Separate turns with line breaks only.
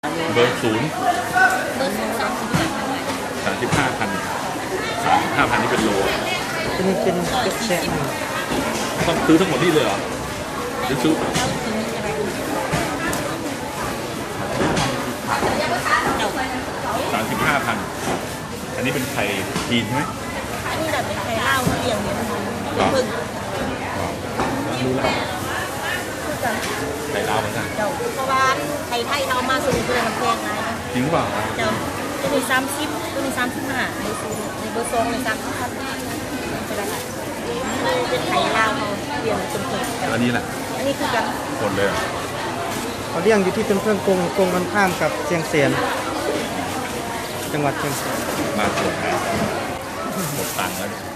เบอร์ศูนย์35,000นี่เป็นโล
อันนี้เป็นเก็บแช่
ต้องซื้อทั้งหมดนี่เลยเหรอหรือซื้อ35,000อันนี้เป็นไข่จีนใช่ไหม
นี่แบบเป็นไข่เล่าเรียงเนี่ยพึ่ง
รู้แล้วไข่ลาวเหมือนกัน
เจ้าเพราะว่าไข่ไทยเรามาสูงเกินมันแพงไง
จริงเปล่า
เจ้าจะมี30จะมี35ในเบอร์ซองใน30จะได้เป็นไข่เล่าเขาเรียงเป็นพึ่ง
อันนี้แหละ
อันนี้คือกัน
หมดเลย
เขาเลี้ยงอยู่ที่เป็นเพื่อนกงกันข้ามกับเชียงเสียนจังหวัดเชียงแสน
มาตรวจหมดตังค์แล้ว